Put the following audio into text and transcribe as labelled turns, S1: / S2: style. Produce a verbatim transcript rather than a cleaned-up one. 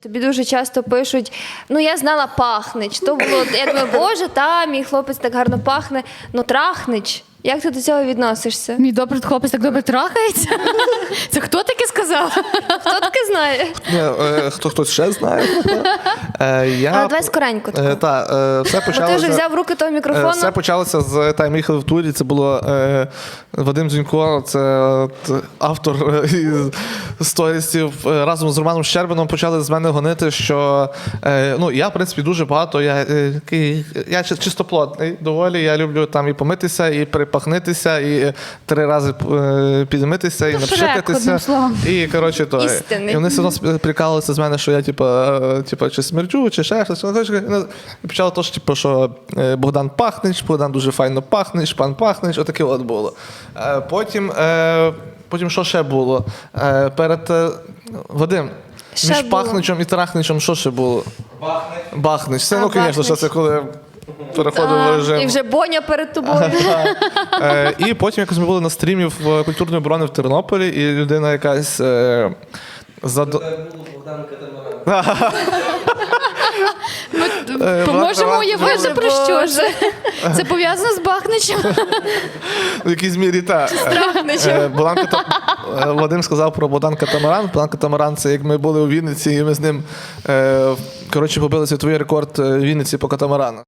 S1: Тобі дуже часто пишуть, ну я знала Пахнич. То було, я думаю, боже, та, мій хлопець так гарно пахне, ну Трахнич. Як ти до цього відносишся?
S2: Мій добрий хлопець так добре трахається? Це хто таке сказав?
S1: Хто таке знає?
S3: Ні, е, хто хтось ще знає. Е, я,
S1: Але давай скоренько тако.
S3: Е, та, е, все
S1: Бо ти вже
S3: почалося,
S1: взяв в руки того
S3: е,
S1: мікрофону.
S3: все почалося з та, ми їхали в турі. Це було е, Вадим Дзюнько, це от, автор е, із сторісів. Е, разом з Романом Щербином почали з мене гонити, що е, ну, я, в принципі, дуже багато, я, е, такий- я чи- чистоплотний доволі, я люблю там і помитися, і припахнитися, і три рази е, підмитися, і
S2: Ну, Шрек,
S3: напшикатися.
S2: одним словом.
S3: І, коротше, то,
S1: Істинний.
S3: і вони все одно прикалувалися з мене, що я, типа, е, типа, чи смерджу, чи ще щось. Вони кажуть, ну, І почало то, що, типу, що е, Богдан Пахнич, Богдан дуже файно пахнеш, пан Пахнич, отаке от було. Е, Потім, е, потім що ще було? Е, Перед е, Вадим,
S1: Ще
S3: між
S1: було.
S3: Пахничем і Трахничем що ще було? Бахнич. Бахнич. Це,
S1: А,
S3: ну, звісно, що
S1: Бахнич.
S3: це коли переходив в
S1: А,
S3: режим.
S1: і вже Боня перед тобою.
S3: Е, І потім якось ми були на стрімі в культурної оборони в Тернополі, і людина якась е, задо... Е,
S2: Поможемо
S3: Влад-
S2: уявити,
S1: Боже,
S2: про що
S1: Боже.
S2: ж. Це пов'язано з Бахничем?
S3: В якійсь мірі та.
S1: Трахничем.
S3: Е, Богдан Ката- е, Вадим сказав про Богдан Катамаран. Богдан Катамаран – це як ми були у Вінниці, і ми з ним, е, коротше, побили світовий рекорд е, Вінниці по катамарану.